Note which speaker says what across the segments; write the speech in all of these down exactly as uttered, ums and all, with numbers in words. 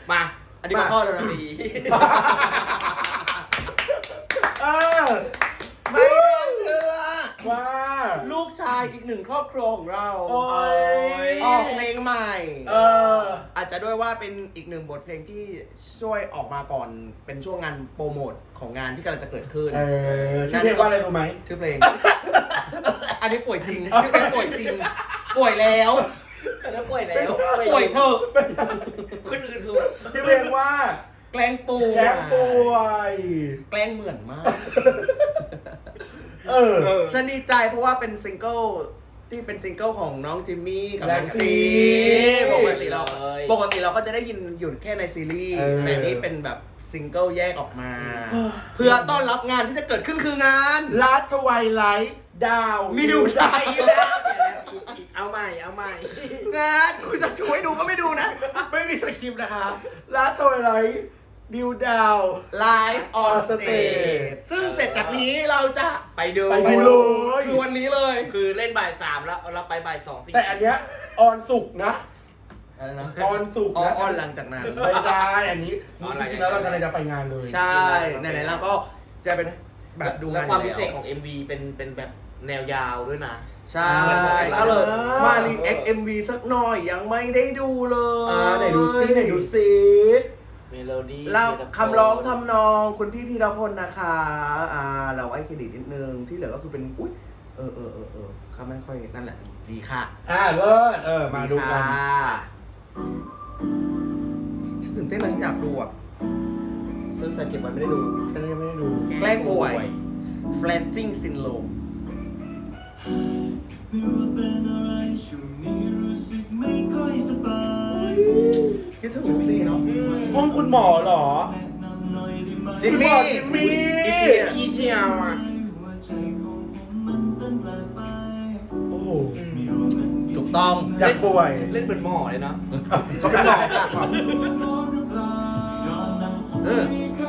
Speaker 1: มาอันนี้ก็ข้อแล้วนะดี
Speaker 2: เออ
Speaker 3: ไม่น่าเชื่อ
Speaker 2: ว่า
Speaker 3: ลูกชายอีกหนึ่งครอบครัวของเรา
Speaker 2: โอ้ย
Speaker 3: ออกเพลงใหม่
Speaker 2: เออ
Speaker 3: อาจจะด้วยว่าเป็นอีกหนึ่งบทเพลงที่ช่วยออกมาก่อนเป็นช่วงงานโปรโมทของงานที่กำลังจะเกิดขึ้น
Speaker 2: เออชื่อเพลงว่าอะไรรู้ไหม
Speaker 3: ชื่อเพลง อันนี้ป่วยจริงชื่อเพลงป่วยจริงป่วยแล้ว
Speaker 1: แล้วป่วยแล้ว
Speaker 3: ป่วยเถอะ
Speaker 1: คนอื่นคือ
Speaker 2: ชื่อเพลงว่า
Speaker 3: แกล้งป่วย
Speaker 2: แกล้งป่วย
Speaker 3: แกล้งเหมือนมาก
Speaker 2: เออ
Speaker 3: ฉันดีใจเพราะว่าเป็นซิงเกิลที่เป็นซิงเกิลของน้องจิมมี่กับน้องซีปกติเราปกติเราก็จะได้ยินอยู่แค่ในซีรีส์แต่นี้เป็นแบบซิงเกิลแยกออกมาเพื่อต้อนรับงานที่จะเกิดขึ้นคืองาน
Speaker 2: ลัดทวายไลท์ดาว
Speaker 3: มิวได
Speaker 1: เอาใหม่เอาใหม่
Speaker 3: งานคุณจะช่วยดูก็ไม่ดูนะ
Speaker 2: ไม่มีสคริปต์นะคะลัดทวายไลท์ดิวดาว
Speaker 3: ไลฟ์ออนสเตจซึ่งเสร็จจากนี้เราจะ
Speaker 1: ไปดู
Speaker 2: ไปดูเลย
Speaker 3: คือวันนี้เลย
Speaker 1: คือเล่นบ่ายสามแล้วเราไปบ่ายสอง
Speaker 2: แต่อันเนี้ยออนสุกนะ
Speaker 3: อะไรนะ
Speaker 2: ออนสุก
Speaker 3: นะออนหลังจากนั้น
Speaker 2: ไม่ใช่อันนี้จริงๆแล้วเราจะจะไปงานเลย
Speaker 3: ใช่ไหนๆเราก็จะเป็นแบบดูงาน
Speaker 1: ความพิเศษของ เอ็ม วี เป็นเป็นแบบแนวยาวด้วยนะ
Speaker 3: ใช่ก็เลยมารีแอค เอ็ม วี สักหน่อยยังไม่ได้ดูเลย
Speaker 2: อ่าไหนดูซิไหนดูซิ
Speaker 1: เมโลดี้
Speaker 3: แล้วคำร้องทำนองคุณพี่พีรพลนะคะอ่าเราให้เครดิตนิดนึงที่เหลือก็คือเป็นอุ้ยเออเออเออเออเขาไม่ค่อยนั่นแหละดีค่ะ
Speaker 2: อ่าเลิศเออมาดูกัน
Speaker 3: ฉันตื่นเต้นนะฉันอยากดูอ่ะซึ่งใส่เก็บไว้ไม่ได้ดู
Speaker 2: ฉันยังไม่ได้ดู
Speaker 3: แกล้งป่วย Flatting Syndrome ไม่ว่าเป็นอะไรช่วงนี้รู้สึกไม่ค่อยสบายคิดถึงจิมมี่เนาะ
Speaker 2: ห้องคุณหมอเหรอ
Speaker 3: จิมมี่
Speaker 2: จิมมี่
Speaker 1: อีเชียอีเชียอ่ะ
Speaker 3: โอ้ถูกต้อง
Speaker 2: อยากป่วย
Speaker 1: เล่นเป็นหมอเลยนะ
Speaker 2: เขาเป็นหมอ
Speaker 3: เออ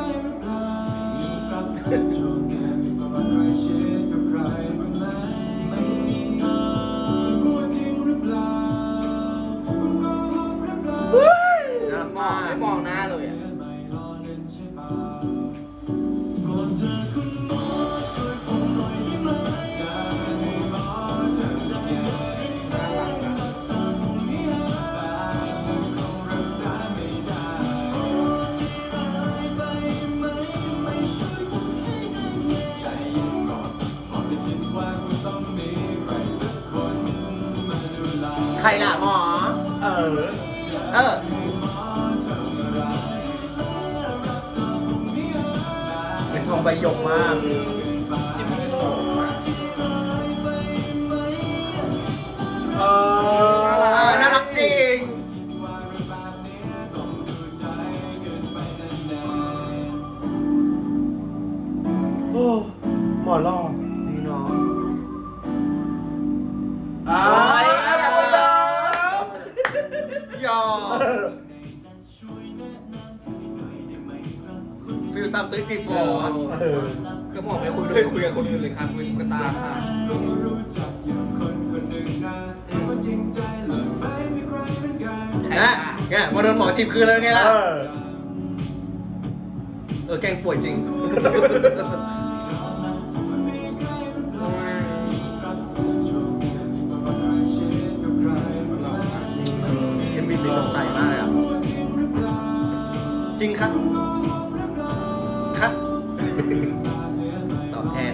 Speaker 1: มองไม่มองหน้าเลยอ่ะ
Speaker 3: ใครล่ะหมอ
Speaker 2: เออ
Speaker 3: เออเป็นทองใบหยกมาก
Speaker 1: จิมมี่โห
Speaker 2: เอ
Speaker 3: อน่ารักจริง
Speaker 2: โอ้หมอหล่อ
Speaker 3: ดีเนาะ
Speaker 2: อ่า
Speaker 3: หยอฟิลตามตื้อจีบหมอ
Speaker 1: ก็หมอไม่คุยด้วยคุยกับคนอื่นเลยครับคุยกับตาค่ะ
Speaker 3: นะเนี่ยพอโดนหมอจีบคือเลยไงล่ะเออแกงป่วยจริงเอ็มวีสีสดใสมากเลยอ่ะจริงครับครับตอบแทน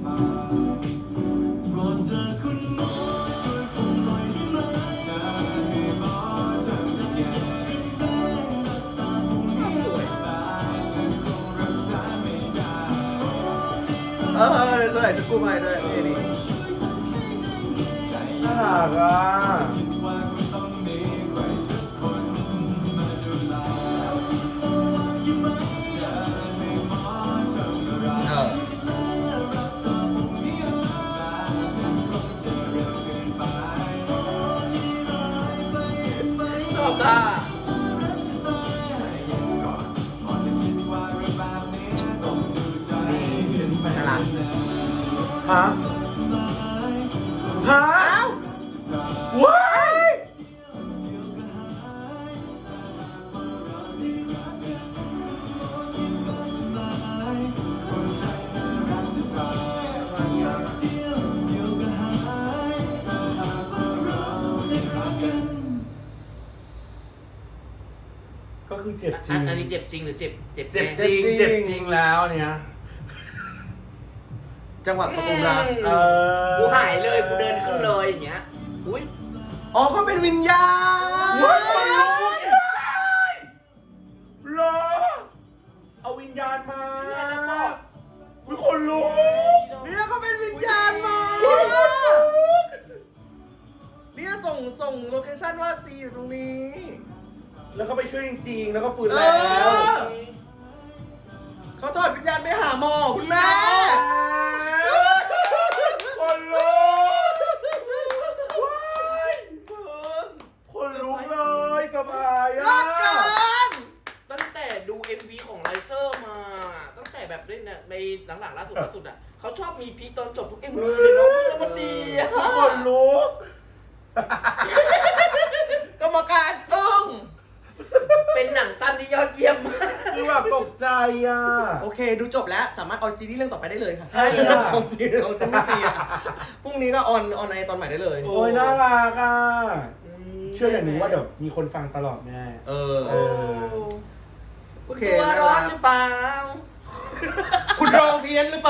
Speaker 3: เออเดี๋ยวสวยสกู๊ปให้ด้วยนี่นี่
Speaker 2: น่ารักอ่ะ
Speaker 1: ชอบท่า
Speaker 2: ฮะฮะว้ายก็คือเจ็บจริ
Speaker 1: อั
Speaker 2: ง
Speaker 1: นอันนี้เจ็บจริงหรือเจ็บเจ็บ
Speaker 2: เจ็บ
Speaker 1: แน่
Speaker 2: จริง
Speaker 3: เจ็
Speaker 2: เจ็
Speaker 3: บบ จ
Speaker 2: จ
Speaker 3: ริ
Speaker 2: ริ
Speaker 3: ง
Speaker 2: งแล้วเนี่ย
Speaker 3: จังหวะประตูรัก
Speaker 2: เออ
Speaker 1: กูหายเลยกูเดินขึ้นเลยอย่างเงี้ยอุ้ย
Speaker 3: อ๋อเขาเป็นวิญญาณ
Speaker 2: ว้ายคนลุกเหรอเอาวิญญาณมาวิคนลุก
Speaker 3: เนี่ยเขาเป็นวิญญาณมาเนี่ยส่งส่งโลเคชั่นว่าซีอยู่ตรงนี้
Speaker 2: แล้วก็ไปช่วยจริงๆแล้วก็ฟื้น
Speaker 3: เอ
Speaker 2: แล้ว
Speaker 3: อเขาถอดวิญญาณไปหาหมอคุณแม่
Speaker 2: คนลุกคนลุกเลยสบาย
Speaker 3: รั
Speaker 2: อ่ะ
Speaker 3: กกัน
Speaker 1: ตั้งแต่ดู เอ็ม วี ของไลเซอร์มา ตั้งแต่แบบเล่นน่ะในหลังๆล่าสุดล่าสุดอ่ะเขาชอบมีพีคตอนจบทุก เอ็ม วี เลยเนาะแล้วมันดีอ่ะ
Speaker 2: คนลุก
Speaker 3: กรรมการอึ้ง
Speaker 1: เป็นหนังสั้นที่ยอดเยี่ยมมาก
Speaker 2: คือแบบตกใจอ่ะ
Speaker 3: โอเค ดูจบแล้วสามารถออนซีรีส์เรื่องต่อไปได้เลยค่ะ
Speaker 2: ใช่ค่ะ
Speaker 3: ของซีของเจมมี่ซีอ่ะพรุ่งนี้ก็ออนออนในตอนใหม่ได้เลย
Speaker 2: โอ้ยน่ารักอ่ะ เชื่ออย่างหนึงว่าเดี๋ยวมีคนฟังตลอดแน่
Speaker 3: เออ
Speaker 2: เออ
Speaker 1: คุณตัวร้อนหรือเปล่า
Speaker 3: คุณร้องเพี้ยนหรือเปล่า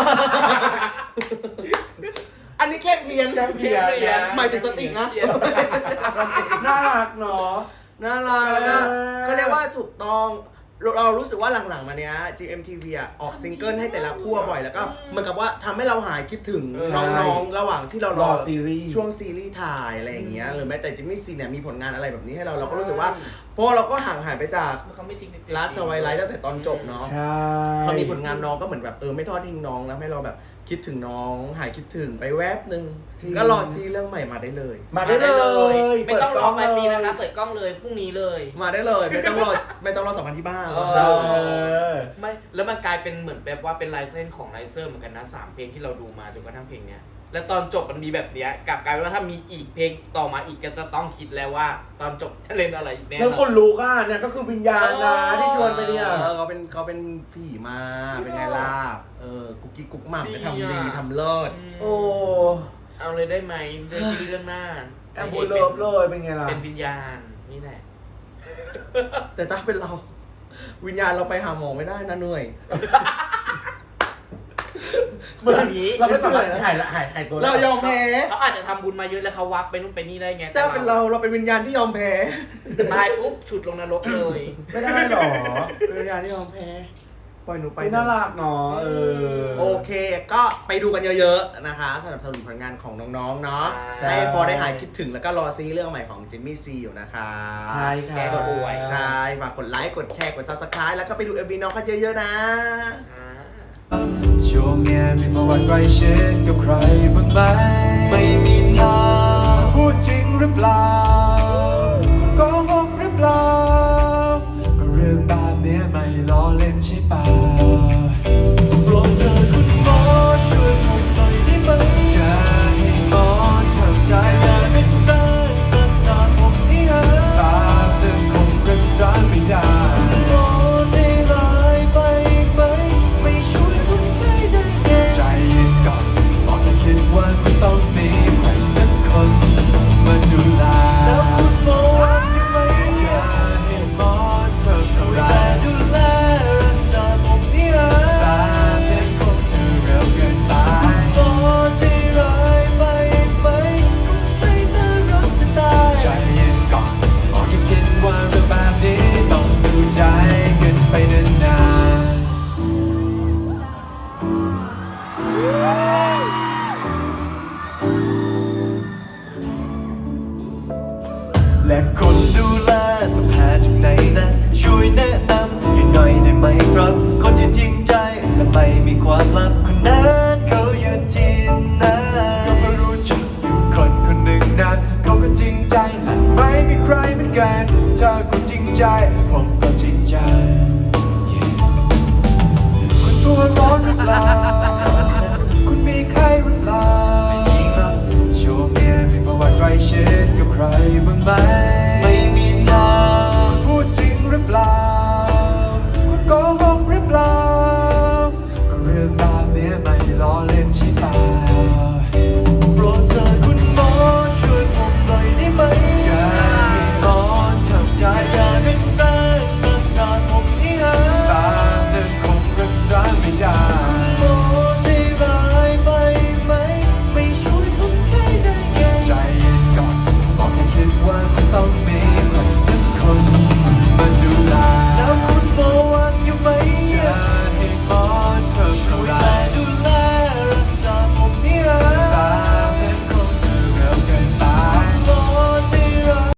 Speaker 3: อันนี้แค่เพี้ยน
Speaker 2: แกล้งเพี้ยนนะ
Speaker 3: หมายถึงสตินะ
Speaker 2: น่ารักเนาะ
Speaker 3: น่ารักนะ
Speaker 2: เออ
Speaker 3: เขาเรียกว่าถูกต้องเราเรารู้สึกว่าหลังๆมาเนี้ย จี เอ็ม ที วี อ่ะออกซิงเกิลให้แต่ละคู่บ่อยแล้วก็เหมือนกับว่าทำให้เราหายคิดถึง
Speaker 2: เออ
Speaker 3: น้องๆระหว่างที่เราร
Speaker 2: ร
Speaker 3: อ
Speaker 2: อซีรีส์
Speaker 3: ช่วงซีรีส์ถ่ายอะไรอย่างเงี้ยหรือแม้แต่จิมมี่ซีเนี่ยมีผลงานอะไรแบบนี้ให้เราเราก็รู้สึกว่าเพราะเราก็ห่างหายไปจาก
Speaker 1: เขาไม่ทิ้ง
Speaker 3: ลาสไวไลท์ตั้งแต่ตอนจบเนาะ
Speaker 2: ใช่
Speaker 3: พอมีผลงานน้องก็เหมือนแบบเออไม่ทอดทิ้งน้องแล้วให้เราแบบคิดถึงน้องหายคิดถึงไปแวบนึงก็รอซีเรื่องใหม่มาได้เลย
Speaker 2: มาได้เลย
Speaker 1: ไม่ต้องรอปลายปี
Speaker 2: เปิดกล้
Speaker 1: นะคะเปิดกล้องเลยพรุ่งนี้เลย
Speaker 3: มาได้เลยไม่ต้องรอไม่ต้องรอสัมพันธ์ที่บ้าน
Speaker 1: เอ
Speaker 2: เออ
Speaker 1: ไม่แล้วมันกลายเป็นเหมือนแบบว่าเป็นลายเส้นของไลเซอร์เหมือนกันนะสามเพลงที่เราดูมาจนกระทั่งเพลงเนี้ยแล้วตอนจบมันมีแบบเนี้ยกลับกลายเป็นว่าถ้ามีอีกเพลงต่อมาอีกก็จะต้องคิดแล้วว่า ตอนจบจะเล่นอะไรอีกแน่น
Speaker 2: แล้ว
Speaker 1: อ
Speaker 2: คน นลุกอ่ะเนี่ยก็คือวิญญาณนะที่ชวนไปเนี่ย
Speaker 3: เออเขาเป็นเขาเป็นผีมาเป็นไงล่ะเออกุ๊กกิ๊กกุ๊กหม่ำก็ทำดีทำเลิศ
Speaker 2: โอ้
Speaker 1: เอาเลยได้ไหมเรื่องที่เรื่องหน้า
Speaker 2: แอมบูเลิฟเลยเป็นไงล่ะ
Speaker 1: เป็นวิญญาณนี่แหละ
Speaker 3: แต่ถ้าเป็นเรา วิญญาณเราไปหาหมอไม่ได้นะเหนื่อย
Speaker 2: เหมือน
Speaker 1: อย่างนี้
Speaker 2: เราไม่ต้องหายละหายหายตัว
Speaker 3: เรายอมแพ้
Speaker 1: เขาอาจจะทำบุญมาเยอะแล้วเขาวักไปนู่นไปนี่ได้ไง
Speaker 3: ถ้าเป็นเราเราเป็นวิญญาณที่ยอมแพ้
Speaker 1: ตายปุ๊บฉุดลงนรกเลย
Speaker 2: ไม่ได้หรอ
Speaker 3: เป็นวิญญาณที่ยอมแพ้ปล่อยหนูไป
Speaker 2: ไปน่ารักเนาะเออ
Speaker 3: โอเค ก็ไปดูกันเยอะๆนะคะสนับสนุนผลงานของน้องๆเนาะ
Speaker 2: ใช่
Speaker 3: ให้พอได้หายคิดถึงแล้วก็รอซีเรื่องใหม่ของจิมมี่ซีอยู่นะคะ
Speaker 2: ใช่ค่ะ
Speaker 1: แกก็ป่วย
Speaker 3: ใช่ฝากกดไลค์กดแชร์กด ซับสไครบ์ แล้วก็ไปดูเอ็มวีน้องกันเยอะๆนะ
Speaker 1: อ่า
Speaker 4: ช่วงเนี้ยมีประวัติใกล้ชิดกับใครบ้างไหมไม่มีทางพูดจริงหรือเปล่าคุณโกหกหรือเปล่าก็เรื่องแบบเนี้ยไม่ล้อเล่นใช่ป่ะโปรดเถิดคุณหมอช่วยผมหน่อยได้ไหมจะให้หมอทำใจอย่าเป็นเต้นรักษาผมให้หายตาเติมคงรักษาไม่ได้หมอใจร้ายไปไหมไม่ช่วยคุณได้ได้ไงใจเย็นก่อนบอกแค่คิดว่าคุณต้องมีใครสักคนมาดูแลแล้วคุณหมอยังไม่จะให้หมอเธอช่วยดูแลรักษาผมให้หายตาเพียงคงจะเร็วเกินไปหมอใจร้ายไปไหมก็ไม่น่ารักจะตายใจเย็นก่อนบอกแค่คิดว่าเรื่องแบบนี้ต้องดูใจกันไปนานๆและคนดูแลต้องหาจากไหนนะช่วยแนะนำให้หน่อยได้ไหมครับ คนที่จริงใจและไม่มีความลับคนนั้นเขาอยู่ที่ไหนก็เพราะรู้จักอยู่คนคนหนึ่งนะเขาก็จริงใจและไม่มีใครเหมือนกันถ้าคุณจริงใจผมก็จริงใจ Yeah คุณตัวร้อนหรือเปล่าคุณมีใครหรือเปล่าไม่มีครับช่วงเนี้ยมีประวัติใกล้ชิดกับใครบ้างไหม